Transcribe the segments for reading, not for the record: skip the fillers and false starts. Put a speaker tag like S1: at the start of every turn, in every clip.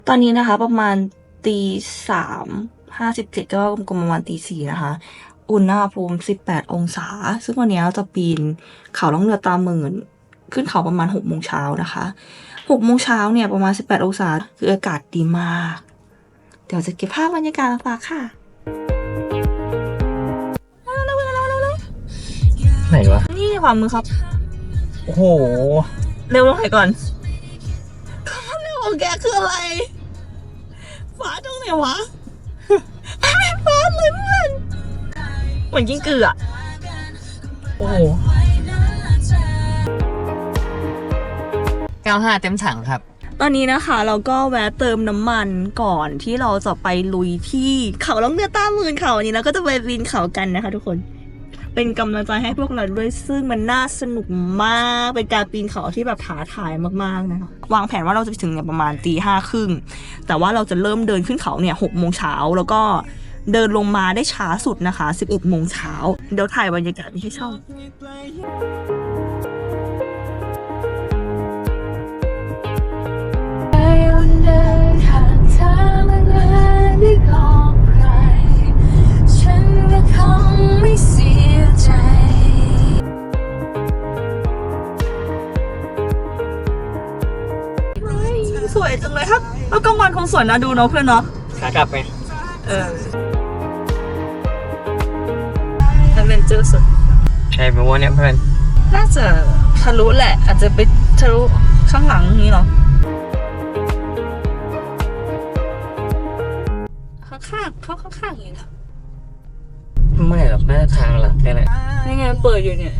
S1: ตอนนี้นะคะประมาณ3:57ก็ประมาณ4:00นะคะอุณหภูมิ18 องศาซึ่งวันนี้เราจะปีนเขาล่องเรือตาหมื่นขึ้นเขาประมาณ6 โมงเช้านะคะ6 โมงเช้าเนี่ยประมาณ18 องศาคืออากาศดีมากเดี๋ยวจะเก็บภาพบรรยากาศมาฝากค่ะ
S2: ไหนวะ
S1: นี่ขวามือครับ
S2: โอ้โห
S1: เร็วลงไหนก่อนคำว่าเร็วของแกคืออะไรฟ้าตรงไหนวะไม่ฟ้าเลยเพื่อนเหมือนกิ้งกืออะโอ้โห
S2: 95เต็มถังครับ
S1: ตอนนี้นะคะเราก็แวะเติมน้ำมันก่อนที่เราจะไปลุยที่เขาล่องเรือต้าหมื่นเขาอันนี้เราก็จะไปปีนเขากันนะคะทุกคนเป็นกำลังใจให้พวกเราด้วยซึ่งมันน่าสนุกมากเป็นการปีนเขาที่แบบท้าทายมากๆนะคะวางแผนว่าเราจะไปถึงเนี่ยประมาณ5:30แต่ว่าเราจะเริ่มเดินขึ้นเขาเนี่ย6 โมงเช้าแล้วก็เดินลงมาได้ช้าสุดนะคะ11 โมงเช้าเดี๋ยวถ่ายบรรยากาศนี้ให้ชอบสวยจังเลยครับแล้วกลางวันคงสวยนะดูเนาะเพื่อนเนาะ
S2: ขากลับไหม
S1: แอดเวนเจอร์สุด
S2: ใช่ไหมวะเนี่ยเพื่อน
S1: น่าจะทะลุแหละอาจจะไปทะลุข้างหลังนี้เนาะข้างๆเขาข้างๆอย่างนี้นะ
S2: ไม่หรอกน่าทางหลักแค่ไหน
S1: นี่ไงเปิดอยู่เนี่ย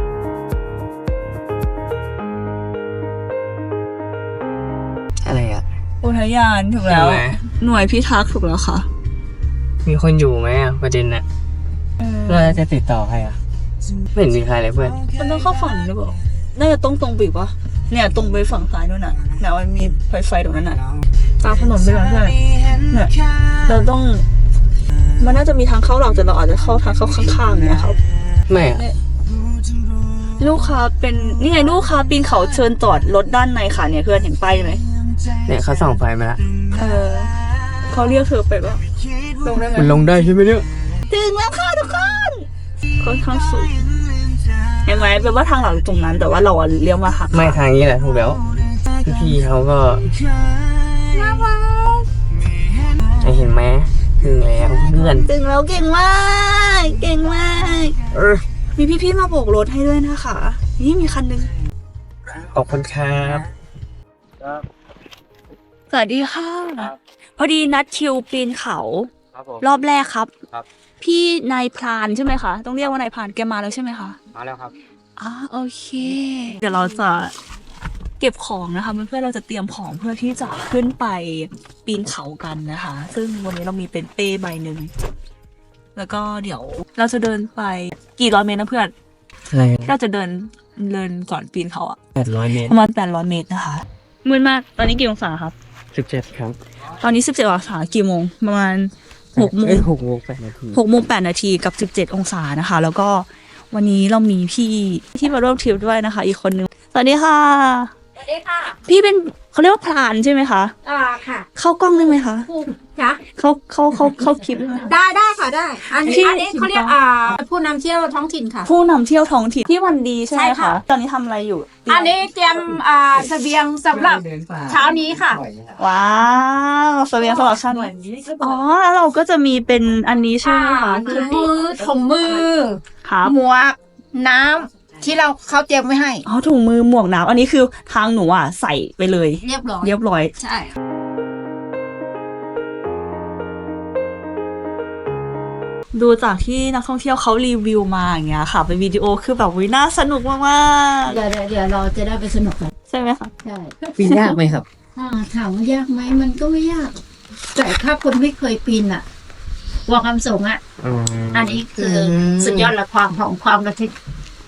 S2: อะไรอ่ะ
S1: อุทยานถูกแล้วหน่วยพิทักษ์ถูกแล้วค่ะ
S2: มีคนอยู่ไหมอ่ะประเด็นน่ะเราจะติดต่อใครอ่ะไม่เห็นมีใครเลยเพื่อน
S1: มันต้องเข้าฝั่งหรือเปล่าน่าจะตรงไปปะเนี่ยตรงไปฝั่งซ้ายนู่นน่ะเนี่ยมันมีไฟตรงนั้นน่ะตามถนนไปก่อนเพื่อนเนี่ยเราต้องมันน่าจะมีทางเข้าหลักแต่เราอาจจะเข้าทางเข้าข้างๆนะครับ
S2: ไม่อ่ะ
S1: ลูกค้าเป็นนี่ไงลูกค้าปีนเขาเชิญจอดรถด้านในค่ะเนี่ยเพื่อนเห็นป้ายไหม
S2: เนี่ยเขาส่องไฟมาละ
S1: เขาเรียกเธอไปปะลงได้ไหม
S2: มันลงได้ใช่ไหมเนี่ย
S1: ถึงแล้วค่ะทุกคนค่อนข้างสูงเห็นไหมแปลว่าทางหลังตรงนั้นแต่ว่าเราเลี้ยวมาหัก
S2: ไม่ทางนี้แหละถูกแล้วพี่เขาก็
S1: น่ารัก
S2: เห็นไหมถึงแล้วเพื่อน
S1: ถึงแล้วเก่งมากเก่งมากมีพี่ๆมาโบกรถให้ด้วยนะคะนี่มีคันนึง
S2: ขอบคุณครับ
S1: สวัสดีค่ะพอดีนัดคิวปีนเขารอบแรกครับพี่นายพรานใช่ไหมคะต้องเรียกว่านายพรานแกมาแล้วใช่ไหมคะ
S2: มาแล้วครับ
S1: โอเคเดี๋ยวเราจะเก็บของนะคะเพื่อนๆเราจะเตรียมของเพื่อที่จะขึ้นไปปีนเขากันนะคะซึ่งวันนี้เรามีเป็นเป้ใบหนึ่งแล้วก็เดี๋ยวเราจะเดินไปกี่ร้อยเมตรนะเพื่อนเราจะเดินก่อนปีนเขา
S2: 800 เมตร
S1: ประมาณ800 เมตรนะคะมืดมากตอนนี้กี่องศาครับ
S2: 17ครับ
S1: ตอนนี้17 องศากี่โมงประมาณ6 โมง
S2: 8 นาที
S1: 6 โมง 8 นาทีกับ17 องศานะคะแล้วก็วันนี้เรามีพี่ที่มาร่วมทริปด้วยนะคะอีกคนนึงสวัสดีค่ะ
S3: สวัสดีค่ะ
S1: พี่เป็นเขาเรียกว่าพรานใช่ไหมคะ
S3: ค่ะ
S1: เข้ากล้องได้ไหมคะ
S3: ค่ะ
S1: เข้าคลิป
S3: ได้ค่ะได้อันนี้เขาเรียกผู้นำเที่ยวท้องถิ่นค่ะ
S1: ผู้นำเที่ยวท้องถิ่นที่วันดีใช่ไหมคะตอนนี้ทำอะไรอยู่
S3: อันนี้เตรียมเสบียงสำหรับเช้านี้ค่ะ
S1: ว้าวเสบียงสำหรับเช้านี้แล้วเราก็จะมีเป็นอันนี้ใช่ไหมคะ
S3: ถุงมือหมวกน้ำที่เขาเตรียมไว้ให้
S1: ถุงมือหมวกน้ำอันนี้คือทางหนูใส่ไปเลย
S3: เรียบร้อยใช่
S1: ดูจากที่นักท่องเที่ยวเขารีวิวมาอย่างเงี้ยค่ะเป็นวิดีโอคือแบบน่าสนุกมาก
S3: ๆเดี๋ยวเราจะได้ไปสนุกกัน
S1: ใช่ไหมคะ
S3: ใช่
S2: ปีนยากไหมครับ
S3: ถามว่ายากไหมมันก็ไม่ยากแต่ถ้าคนไม่เคยปีนวางคำสูงอันนี้คือสุดยอดละความระทึก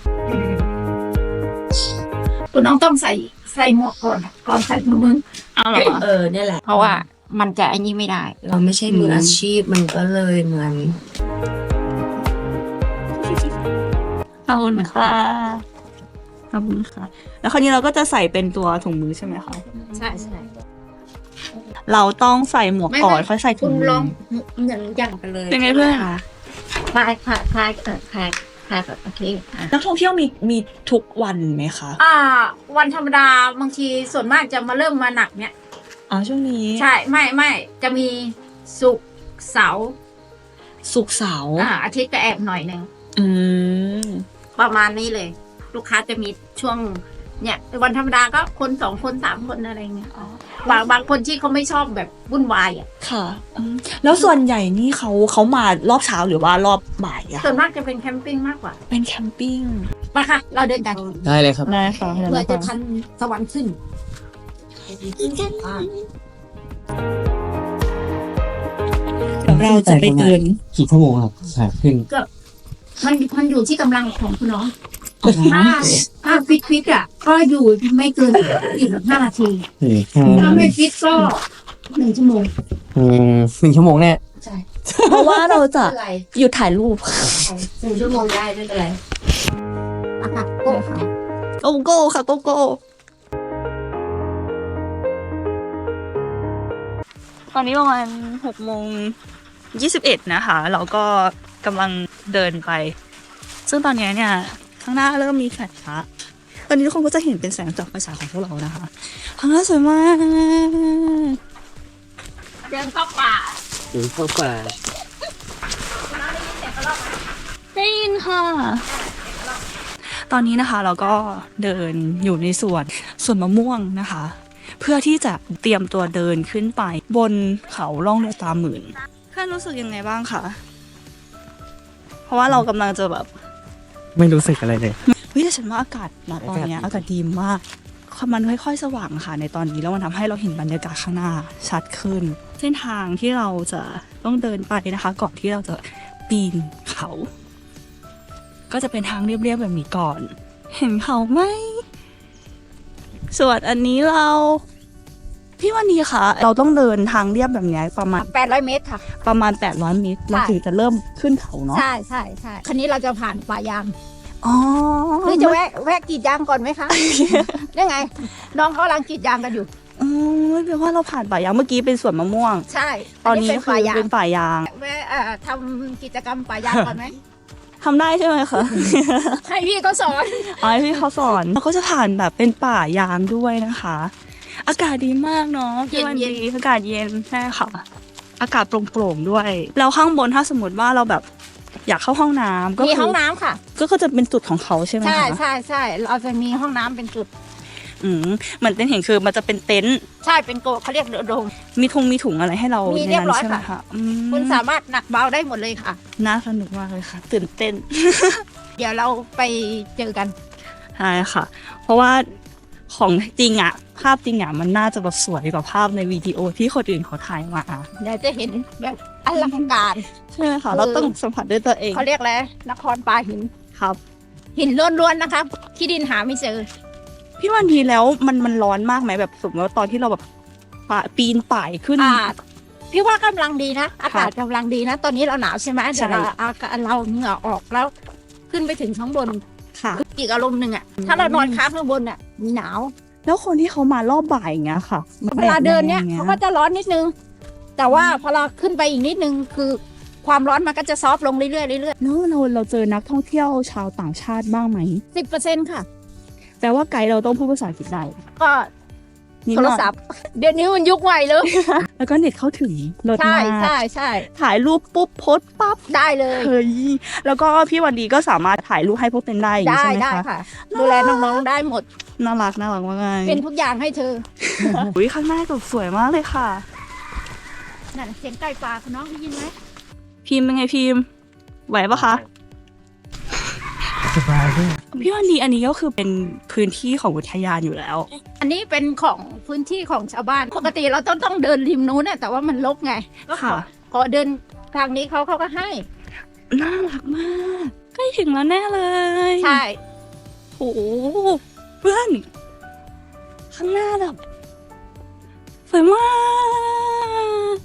S3: คุณน้องต้องใส่หมวกก่อนใส่ถุงมือ
S1: เหรอ
S3: นี่แหละเพราะว่ามันจะอันนี้ไม่ได้
S4: เราไม่ใช่มืออาชีพมันก็เลยเหมือน
S1: ขอบคุณค่ะแล้วคราวนี้เราก็จะใส่เป็นตัวถุงมือใช่ไหมคะ
S3: ใช่
S1: เราต้องใส่หมวกก่อนค่อยใส่ถุ
S3: คุ
S1: ง
S3: ณ
S1: มื
S3: ลอง
S1: อ
S3: เหมือนอย่าง
S4: ไปเลย
S1: เป็นไงเพื่อน
S3: คลายแบบโอเคอ่ะ
S1: นักท่องเที่ยวมีทุกวันไหมคะ
S3: วันธรรมดาบางทีส่วนมากจะมาเริ่มมาหนักเนี่ย
S1: อ๋อช่วงนี้
S3: ใช่ไม่จะมีศุกร์เสาร์
S1: ศุกร์เสาร์
S3: อาทิตย์ก็แอบหน่อยหนึ่ง
S1: อืม
S3: ประมาณนี้เลย ลูกค้าจะมีช่วงเนี่ยวันธรรมดาก็คน2 คน 3 คนอะไรเงี้ยบางคนที่เขาไม่ชอบแบบวุ่นวายอ่ะ
S1: ค่ะแล้วส่วนใหญ่นี่เขามารอบเช้าหรือว่ารอบบ่ายอะ
S3: ส่วนมากจะเป็นแคมปิ้งมากกว่า
S1: เป็นแคมปิ้ง
S3: มาค่ะ เราเดินกัน
S2: ได้เลยครับ
S1: ได้ค่ะ
S3: เพื่อจะทันสวรรค์ขึ้น
S1: เราจะไปเดิน
S2: กี่ชั่วโมงครับขาขึ้น
S3: มันอยู่ที่กำลังของคุณน้องถ้าฟิตอ่ะ ก็อยู่ไม่เกิน45 นาที ถ้าไม่ฟิตก็1 ชั่วโมง
S2: 1 ชั่วโมงแน่
S3: ใช่
S1: เพราะว่าเราจะ
S3: ไม่เป็นไร
S1: หยุดถ่ายรูป
S3: 1 ชั่วโมงได้ไม่เป็นไรอ่ะค่ะโก้ค่ะ
S1: โกโก้ค่ะโกโก้ตอนนี้ประมาณ6:21นะคะ เราก็กำลังเดินไป ซึ่งตอนนี้เนี่ย ข้างหน้าเริ่มมีแฟลชละตอนนี้ทุกคนก็จะเห็นเป็นแสงจากไฟฉายของพวกเรานะคะ ข้างหน้าสวยมาก
S3: เดินเข้าป่า
S2: ถึงเข้าป่า
S1: ได้ยินค่ะ ตอนนี้นะคะเราก็เดินอยู่ในสวนมะม่วงนะคะ เพื่อที่จะเตรียมตัวเดินขึ้นไป บนเขาล่องเรือตาหมื่นเพื่อนรู้สึกยังไงบ้างคะเพราะว่าเรากำลังจะแบบ
S2: ไม่รู้สึกอะไรเลย
S1: เฮ้ยแต่ฉันว่าอากาศนะตอนเนี้ยอากาศดีมากมันค่อยๆสว่างค่ะในตอนนี้แล้วมันทำให้เราเห็นบรรยากาศข้างหน้าชัดขึ้น เส้นทางที่เราจะต้องเดินไปนะคะ ก่อนที่เราจะปีนเขา ก็จะเป็นทางเรียบๆแบบนี้ก่อน เห็นเขาไหมส่วนอันนี้พี่วันนี้ค่ะ เราต้องเดินทางเรียบแบบนี้ประมาณ
S3: 800 เมตรค่ะ
S1: 800 เมตรเราถึงจะเริ่มขึ้นเขาเนาะ
S3: ใช่คันนี้เราจะผ่านป่ายาง
S1: อ๋อ
S3: หรือจะแวะกรีดยางก่อนไหมคะ ยังไง น้องเขากำลังกรีดยางกันอยู่
S1: อ๋อแปลว่าเราผ่านป่ายางเมื่อกี้เป็นสวนมะม่วง
S3: ใช่
S1: ตอนนี้
S3: เป็น
S1: คื
S3: ป่า
S1: อย
S3: าง
S1: เป็นป่ายาง
S3: แวะทำกิจกรรมป่ายางก่อนไหม
S1: ทำได้ใช่ไหมคะ
S3: ให้พี่เขาสอน
S1: อ๋อให้พี่เขาสอนเราก็จะผ่านแบบเป็นป่ายางด้วยนะคะ อากาศดีมากเนาะพี่วันดีอากาศเย็นใช่ค่ะ อากาศโปร่งๆด้วยแล้วข้างบนถ้าสมมติว่าเราแบบอยากเข้าห้องน้ำก็
S3: มี
S1: คื
S3: ห้องน้ำค่ะ
S1: ก็จะเป็นจุดของเขาใช่ไหมคะ
S3: ใช่เราจะมีห้องน้ำเป็นจุด
S1: เหมือนเต็นท์เห็นคือมันจะเป็นเต็นท์
S3: ใช่เป็นโกเขาเรียกเรือโดม
S1: มีถุงอะไรให้เรา
S3: มี
S1: ใน
S3: เรียบ
S1: นั้น
S3: ร้อย
S1: ใช่ไหม
S3: ค่ะ
S1: คะ
S3: คุณสามารถหนักเบาได้หมดเลยค่ะ
S1: น่าสนุกมากเลยค่ะ ตื่นเต้น
S3: เดี๋ยวเราไปเจอกัน
S1: ใช่ค่ะ เพราะว่าของจริงอะภาพจริงอะมันน่าจะแบบสวยกว่าภาพในวิดีโอที่คนอื่นเขาถ่ายมา
S3: เดี๋ยวจะเห็นแบบอลังการ
S1: ใช่ไหมคะเราต้องสัมผัสด้วยตัวเอง
S3: เขาเรียกอะไรนครปลาหิน
S1: ครับ
S3: หินล้วนๆนะคะที่ดินหาไม่เจอ
S1: พี่วันทีแล้วมันร้อนมากไหมแบบสมมติว่าตอนที่เราแบบปีนป่ายขึ้น
S3: พี่ว่ากำลังดีนะ อากาศกำลังดีนะ ตอนนี้เราหนาวใช่ไหม
S1: ใช่
S3: เดี๋ยวเราเหงื่อออกแล้ว ขึ้นไปถึงข้างบน
S1: ค่ะ
S3: อีกอารมณ์หนึ่งอ่ะ ถ้าเรานอนค้างข้างบนอ่ะหนาว
S1: แล้วคนที่เขามารอบบ่ายอย่างเงี้ยค่ะ
S3: เวลาเดินเนี่ย
S1: แบบไห
S3: เขาก็จะร้อนนิดนึง แต่ว่าพอเราขึ้นไปอีกนิดนึงคือความร้อนมันก็จะซอฟต์ลงเรื่อยๆเรื่อย
S1: แล้วเราเจอนักท่องเที่ยวชาวต่างชาติบ้างไหม
S3: ๆ10%ค่ะ
S1: แต่ว่าไกด์เราต้องพูดภาษาอังกฤษได้
S3: ก็
S1: นิด
S3: โท
S1: ห
S3: ร
S1: น่อย
S3: ศัพท์ เดี๋ยวนี้มันยุคใหม่เลย
S1: แล้วก็เน็ตเข้าถึงรถ
S3: ใช่
S1: มาก
S3: ใช่
S1: ถ่ายรูปปุ๊บโพสต์ปั๊บ
S3: ได้เลย
S1: เฮ้ยแล้วก็พี่วันดีก็สามารถถ่ายรูปให้พวกเต้นได้อย่างนี้
S3: ได้
S1: ใช่ไหม
S3: ได้
S1: คะ
S3: ค่ะ ดูแลน้องๆได้หมด
S1: น่ารักมากเลย
S3: เป็นทุกอย่างให้เธอ
S1: อุ้ยข้างหน้าก็สวยมากเลยค่ะ
S3: นั่นเสียงไก่ป่าคุณน้องได้ยินไหม
S1: พิมพ์เป็นไงพิมพ์ไหวปะคะ
S2: สบายด้วย
S1: พี่วันดีอันนี้ก็คือเป็นพื้นที่ของอุทยานอยู่แล้ว
S3: อันนี้เป็นของพื้นที่ของชาวบ้าน ปกติเราต้องเดินริมนู้นน่ะแต่ว่ามันรกไงก็ขอ
S1: ค่ะ
S3: ขอเดินทางนี้เขาก็ให้
S1: น่ารักมากใกล้ถึงแล้วแน่เลย
S3: ใช่
S1: โอ้โหเพื่อนข้างหน้าแบบสวยมาก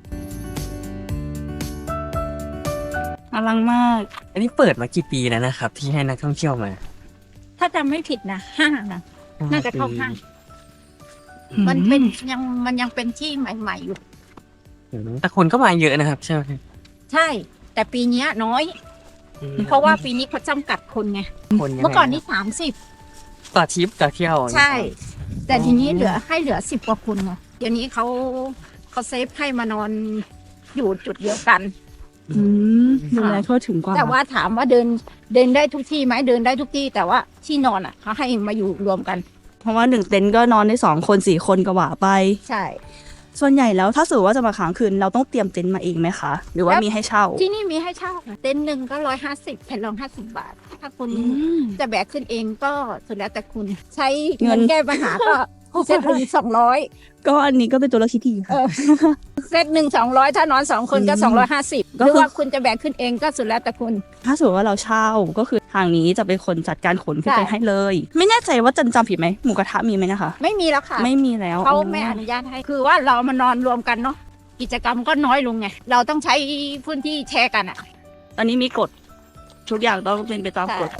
S1: อลังมาก
S2: อันนี้เปิดมากี่ปีแล้วนะครับ ที่ให้นักท่องเที่ยวมา
S3: ถ้าจำไม่ผิดนะ5นะ น่าจะเข้าห้างมันเป็นยังเป็นที่ใหม่ๆอยู่
S2: แต่คนก็มาเยอะนะครับใช่ไหม
S3: ใช่ แต่ปีเนี้ยน้อย เพราะว่าปีนี้เขาจำกัดคนไง
S2: คนยังไง
S3: เมื่อก่อนนี่30
S2: ต่อทริปต่อเที่ยว
S3: ใช่ แต่ทีนี้เหลือ10 กว่าคนไงเดี๋ยวนี้เขาเซฟให้มานอนอยู่จุดเดียวกัน
S1: ดูแลทั่วถึงกว่า
S3: แต่ว่าถามว่าเดินได้ทุกที่ไหมเดินได้ทุกที่ แต่ว่าที่นอนอ่ะเขาให้มาอยู่รวมกัน
S1: เพราะว่า1 เต็นท์ก็นอนได้2 คน4 คนก็ว่าไป
S3: ใช่
S1: ส่วนใหญ่แล้วถ้าสมมติว่าจะมาค้างคืนเราต้องเตรียมเต็นท์มาเองไหมคะ หรือว่ามีให้เช่า
S3: ที่นี่มีให้เช่าค่ะเต็นท์หนึ่งก็150แผ่นรอง50 บาท ถ้าคุณจะแบกขึ้นเองก็สุดแล้วแต่คุณใช้เงินแก้ปัญหาก็เซตหนึ่ง200
S1: ก็อันนี้ก็เป็นตัวเลือกที่ดีค่ะ
S3: เซตหนึ่ง200ถ้านอน2 คนก็250หรือว่าคุณจะแบกขึ้นเองก็สุดแล้วแต่คุณ
S1: ถ้าสมมติว่าเราเช่าก็คือทางนี้จะเป็นคนจัดการขนขึ้นไป
S3: ใช่
S1: ให้เลย ไม่แน่ใจว่าจำผิดไหมหมูกระทะมีไหมนะคะ
S3: ไม่มีแล้วค่ะ
S1: ไม่มีแล้ว
S3: เขาไม่อนุญาตให้คือว่าเรามานอนรวมกันเนาะกิจกรรมก็น้อยลงไงเราต้องใช้พื้นที่แชร์กันอ่ะ
S1: ตอนนี้มีกฎทุกอย่างต้องเป็นไปตามกฎ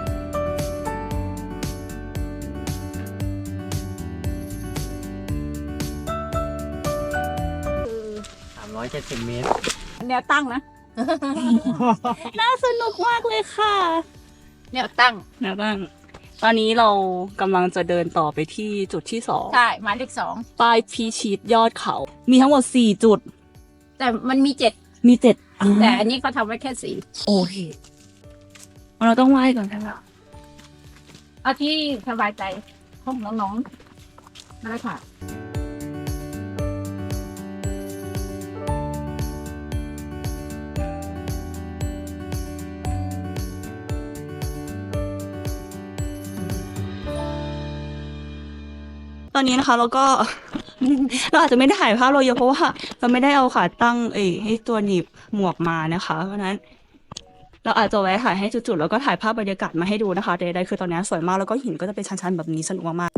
S2: 370 เมตร
S3: แนวตั้งนะ
S1: น่าสนุกมากเลยค่ะ
S3: แนวตั้ง
S1: นะบ้างตอนนี้เรากำลังจะเดินต่อไปที่จุดที่2
S3: ใช่หมายเลข2
S1: ปลายพีชีตยอดเขา มีทั้งหมด4 จุด
S3: แต่มันมี7
S1: มี7
S3: แต่อันนี้เขาทำไว้แค่4
S1: โอเคเราต้องไหว้ก่อนใช่ไหม
S3: เอาที่สบายใจของน้องๆนั่นแหละค่ะ
S1: ตอนนี้นะคะเราก็ เราอาจจะไม่ได้ถ่ายภาพเราเยอะเพราะว่าเราไม่ได้เอาขาตั้งให้ตัวหนีบหมวกมานะคะ เพราะฉะนั้น เราอาจจะแวะถ่ายให้จุดๆแล้วก็ถ่ายภาพบรรยากาศมาให้ดูนะคะใดๆคือตอนนี้สวยมากแล้วก็หินก็จะเป็นชันๆแบบนี้สนุกมาก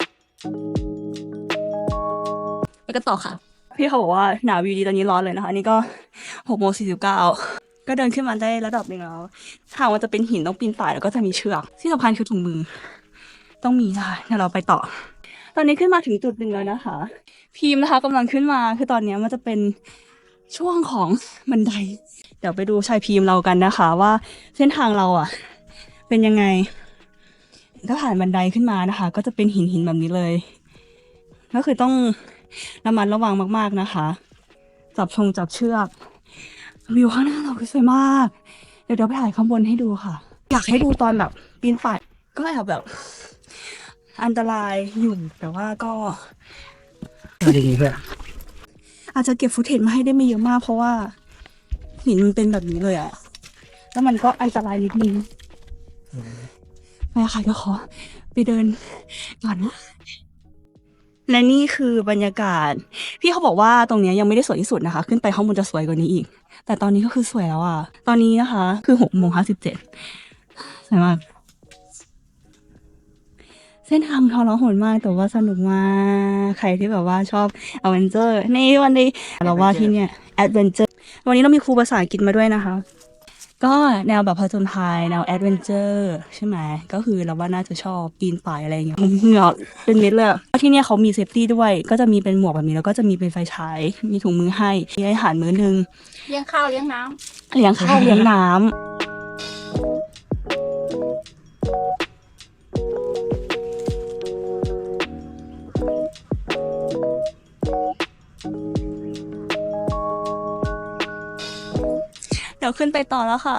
S1: ๆไปกันต่อค่ะ พี่เขาบอกว่าหนาวอยู่ดีตอนนี้ร้อนเลยนะคะอันนี่ก็6:49ก็เดินขึ้นมาได้ระดับหนึ่งแล้วทางมันจะเป็นหินต้องปีนป่ายแล้วก็จะมีเชือกที่สำคัญคือถุงมือ ต้องมีนะคะเดี๋ยวเราไปต่อ ตอนนี้ขึ้นมาถึงจุดหนึ่งแล้วนะคะ พีมนะคะกำลังขึ้นมาคือตอนนี้มันจะเป็นช่วงของบันได เดี๋ยวไปดูชายพีมเรากันนะคะ ว่าเส้นทางเราอ่ะ เป็นยังไง ถ้าผ่านบันไดขึ้นมานะคะ ก็จะเป็นหินแบบนี้เลย ก็คือต้องระมัดระวังมากๆนะคะ จับเชือกวิวข้างหน้าเราคือสวยมาก เดี๋ยวไปถ่ายข้างบนให้ดูค่ะ อยากให้ดูตอนแบบปีนป่ายก็แอบแบบ อันตรายอยู่แต่ว่าก็
S2: ดีเพื่อน
S1: อาจจะเก็บฟุตเทจมาให้ได้ไม่เยอะมากเพราะว่าหินมันเป็นแบบนี้เลยอะแล้วมันก็อันตรายนิดนึงไปค่ะก็ขอไปเดินก่อนนะและนี่คือบรรยากาศพี่เขาบอกว่าตรงเนี้ยยังไม่ได้สวยที่สุดนะคะ ขึ้นไปข้างบนจะสวยกว่านี้อีก แต่ตอนนี้ก็คือสวยแล้วอะตอนนี้นะคะคือ6:57สวยมากเส้นทางทรหดมากแต่ว่าสนุกมากใครที่แบบว่าชอบอเวนเจอร์ในวันนี้เราว่าที่เนี่ยแอดเวนเจอร์วันนี้เรามีครูภาษาอังกฤษมาด้วยนะคะ ก็แนวแบบผจญภัยแนวแอดเวนเจอร์ใช่ไหมก็คือเราว่าน่าจะชอบปีนป่ายอะไรอย่างเงี้ยเหงื่อเป็นเม็ดเลยที่เนี่ยเขามีเซฟตี้ด้วยก็จะมีเป็นหมวกแบบนี้แล้วก็จะมีเป็นไฟฉายมีถุงมือให้มีอาหารมื้อนึง
S3: เลี้ยงข้าวเลี้ยงน้ำ
S1: เลี้ยงข้าวเลี้ยงน้ำเดี๋ยวขึ้นไปต่อแล้วค่ะ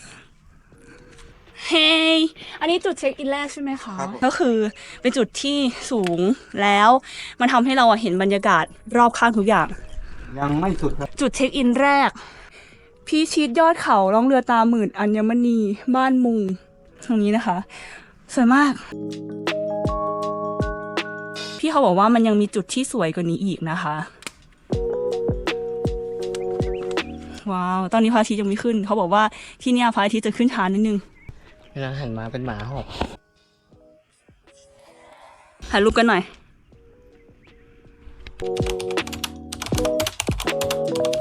S1: เฮ้ยอันนี้จุดเช็คอินแรกใช่ไหมคะ ก็คือเป็นจุดที่สูงแล้วมันทำให้เราเห็นบรรยากาศรอบข้างทุกอย่าง
S5: ยังไม่สุดครับ
S1: จุดเช็คอินแรก พี่ชิดยอดเขาล่องเรือตาหมื่นอัญมณีบ้านมุงตรงนี้นะคะ สวยมาก พี่เขาบอกว่ามันยังมีจุดที่สวยกว่านี้อีกนะคะ ว้าว ตอนนี้พระอาทิตย์ยังไม่ขึ้น เขาบอกว่าที่เนี่ยพระอาทิตย์จะขึ้นช้านิดนึง
S2: เวลาหันมาเป็นหมาหอบ
S1: ถ่ายรูปกันหน่อย